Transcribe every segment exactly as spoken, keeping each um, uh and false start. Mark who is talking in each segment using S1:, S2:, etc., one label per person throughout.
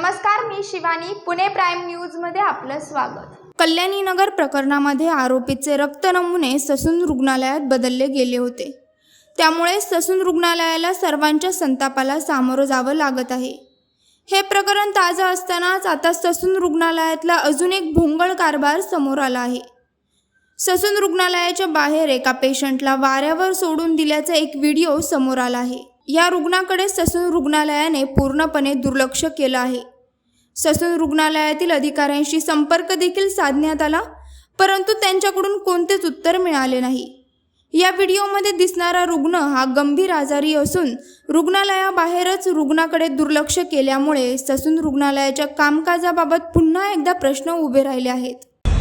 S1: नमस्कार, मी Shivani. Pune prime news मध्ये आपलं स्वागत.
S2: कल्याणी नगर प्रकरणामध्ये आरोपीचे रक्त नमुने ससून रुग्णालयात बदलले गेले होते. त्यामुळे ससून रुग्णालयाला सर्वांच्या संतापाला सामोरं जावं लागत आहे. हे प्रकरण ताजं असतानाच आता ससून रुग्णालयातला अजून एक भोंगळ कारभार समोर आला आहे. ससून रुग्णालयाच्या बाहेर एका पेशंटला वाऱ्यावर सोडून दिल्याचा एक व्हिडिओ समोर आला आहे. या रुग्णाकडे ससून रुग्णालयाने पूर्णपणे दुर्लक्ष केलं आहे. ससून रुग्णालयातील अधिकाऱ्यांशी संपर्क देखील साधण्यात आला, परंतु त्यांच्याकडून कोणतेच उत्तर मिळाले नाही. या व्हिडिओमध्ये दिसणारा रुग्ण हा गंभीर आजारी असून रुग्णालयाबाहेरच रुग्णाकडे दुर्लक्ष केल्यामुळे ससून रुग्णालयाच्या कामकाजाबाबत पुन्हा एकदा प्रश्न उभे राहिले आहेत.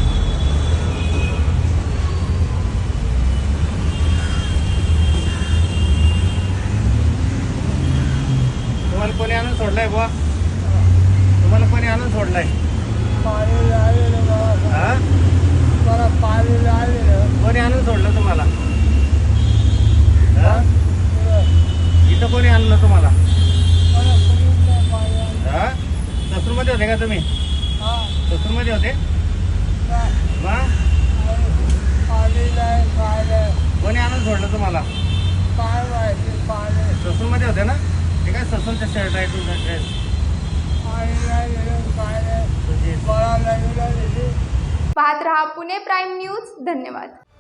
S3: तुम्हाला कोणी आणून सोडलाय बुवा? तुम्हाला कोणी आणून सोडलाय? हा? कोणी आणून सोडलं तुम्हाला? हा? इथं कोणी आणलं तुम्हाला? हा? ससूरमध्ये होते का तुम्ही? ससूरमध्ये होते? मग कोणी आणून सोडलं तुम्हाला? ससूरमध्ये होते ना? ठीक आहे, ससूरचा शर्ट आहे तुमचा ड्रेस.
S1: पाहत रहा पुणे प्राईम न्यूज. धन्यवाद.